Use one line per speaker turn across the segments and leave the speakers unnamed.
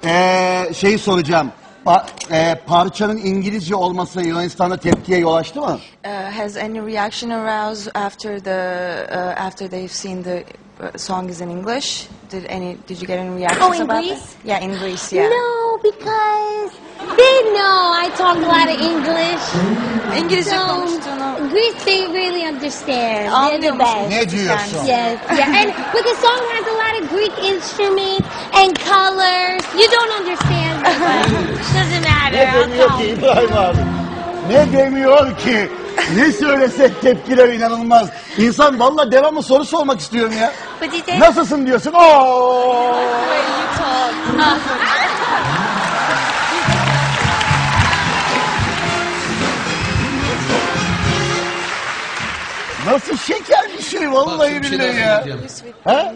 Şeyi soracağım. Parçanın İngilizce olması Yunanistan'da tepkiye yol açtı mı?
Has any reaction aroused after they've seen the song is in English? Did you get any reactions
in
about
Greece?
it? Yeah, in Greece, yeah.
No, because they know I talk a lot of English.
İngilizce konuştuğunu
Greece, they really understand. They're the
anlıyor
best.
musunuz?
Ne diyorsun?
Yes, yeah, and but the song has a lot of Greek instruments and colors. You don't understand, but doesn't matter. I'll
Demiyor
call
ki
you.
İbrahim abi. Ne demiyor ki? Ne söylesek tepkiler inanılmaz. İnsan vallahi devamlı soru sormak istiyorum ya.
But you say,
Nasılsın diyorsun? Oo! Nasıl şeker bir şey vallahi billahi ya. Ha?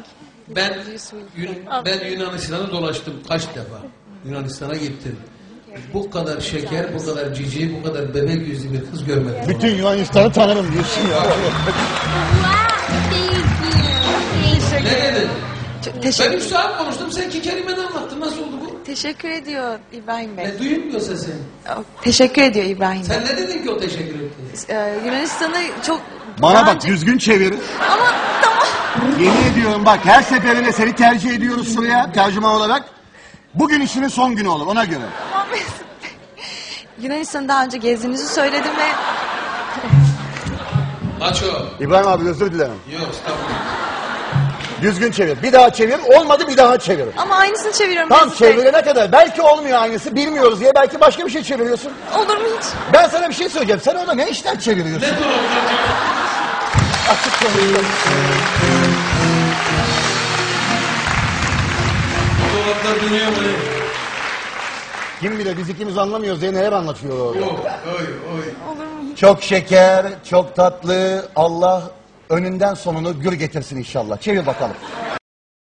Ben Yunanistan'a dolaştım kaç defa. Yunanistan'a gittim. Bu kadar şeker, bu kadar cici, bu kadar bebek yüzlü bir kız görmedim.
Bütün Yunanistan'ı tanırım diyorsun ya.
wow, thank you.
Ne dedin? Ben
Teşekkür,
3 saat konuştum, sen 2 kelimeden anlattın. Nasıl oldu bu?
teşekkür ediyor İbrahim Bey.
Ne duyulmuyor sesin.
Teşekkür ediyor İbrahim Bey.
Sen ne dedin ki o teşekkür etti?
Yunanistan'ı çok...
Bana
daha
bak
önce-
düzgün çevir.
Ama tamam.
Yemin ediyorum bak her seferinde seni tercih ediyoruz şuraya tercüman olarak. Bugün işinin son günü olur ona göre.
Tamam Mesut Bey. Yunanistan'ı daha önce gezdiğinizi söyledim ve...
Maço.
İbrahim abi özür dilerim.
Yok, estağfurullah.
Düzgün çevir. Bir daha çevir. Olmadı bir daha çevir.
Ama aynısını çeviriyorum
Tam
Mesut Bey.
çevirene kadar. Belki olmuyor aynısı. Bilmiyoruz diye. Belki başka bir şey çeviriyorsun.
Olur mu hiç?
Ben sana bir şey söyleyeceğim. Sen orada ne işler çeviriyorsun?
Ne dolaplar?
Açık konuşuyorum.
Dolaplar dönüyor mu?
Kim bilir biz ikimiz anlamıyoruz diye neler anlatıyor orada.
Yok, oy.
Olur mu hiç?
Çok şeker, çok tatlı. Allah önünden sonunu gür getirsin inşallah. Çevir bakalım.